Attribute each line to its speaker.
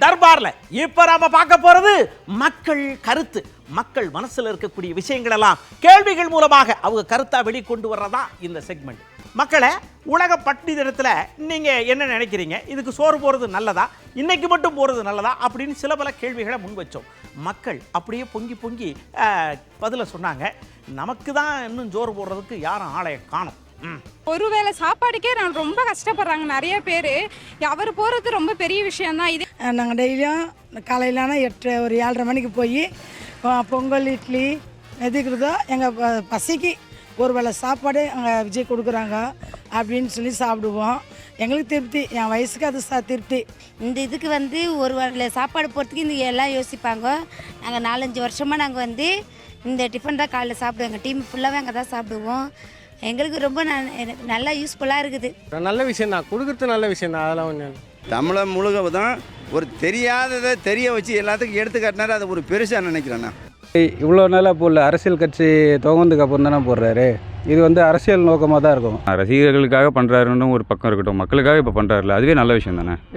Speaker 1: தர்பார்ல இப்ப நாம பார்க்க போறது மக்கள் கருத்து. மக்கள் மனசுல இருக்கக்கூடிய விஷயங்கள் எல்லாம் கேள்விகள் மூலமாக அவங்க கருத்தா வெளிக்கொண்டு வர்றதா இந்த செக்மெண்ட். மக்களை, உலக பட்டினி தினத்துல நீங்க என்ன நினைக்கிறீங்க? இதுக்கு சோறு போறது நல்லதா, இன்னைக்கு மட்டும் போறது நல்லதா அப்படின்னு சில பல கேள்விகளை முன் வச்சோம். மக்கள் அப்படியே பொங்கி பொங்கி பதில சொன்னாங்க. நமக்கு தான் இன்னும் சோறு போடுறதுக்கு யாரும் ஆளைய காணும்.
Speaker 2: ஒருவேளை சாப்பாடுக்கே நான் ரொம்ப கஷ்டப்படுறாங்க நிறைய பேர். அவர் போகிறது ரொம்ப பெரிய விஷயந்தான். இது
Speaker 3: நாங்கள் டெய்லியும் காலையிலான 8 ஒரு 7:30 மணிக்கு போய் பொங்கல் இட்லி எதுக்குறதோ எங்கள் பசிக்கு ஒரு வேளை சாப்பாடு அங்கே விஜய் கொடுக்குறாங்க அப்படின்னு சொல்லி சாப்பிடுவோம். எங்களுக்கு திருப்தி, என் வயசுக்கு அது திருப்தி.
Speaker 4: இந்த இதுக்கு ஒரு வேளை சாப்பாடு போகிறதுக்கு இந்த எல்லாம் யோசிப்பாங்க. நாங்கள் 4-5 வருஷமாக நாங்கள் இந்த டிஃபன் தான் காலையில் சாப்பிடுவோம். எங்கள் டீம் ஃபுல்லாகவே அங்கே தான் சாப்பிடுவோம். எங்களுக்கு ரொம்ப நல்லா யூஸ்ஃபுல்லாக இருக்குது.
Speaker 5: நல்ல விஷயம் தான், கொடுக்குறது நல்ல விஷயம் தான். அதெல்லாம் ஒன்று
Speaker 6: தமிழை முழுவதும் ஒரு தெரியாததை தெரிய வச்சு எல்லாத்துக்கும் எடுத்துக்காட்டினாரு. அது ஒரு பெருசாக நினைக்கிறேண்ணா.
Speaker 7: இவ்வளோ நாளாக போடல, அரசியல் கட்சி துவந்ததுக்கு அப்புறம் தானே போடுறாரு. இது அரசியல் நோக்கமாக தான் இருக்கும்.
Speaker 8: ரசிகர்களுக்காக பண்ணுறாருன்னு ஒரு பக்கம் இருக்கட்டும், மக்களுக்காக இப்போ பண்ணுறாருல, அதுவே நல்ல விஷயம் தானே.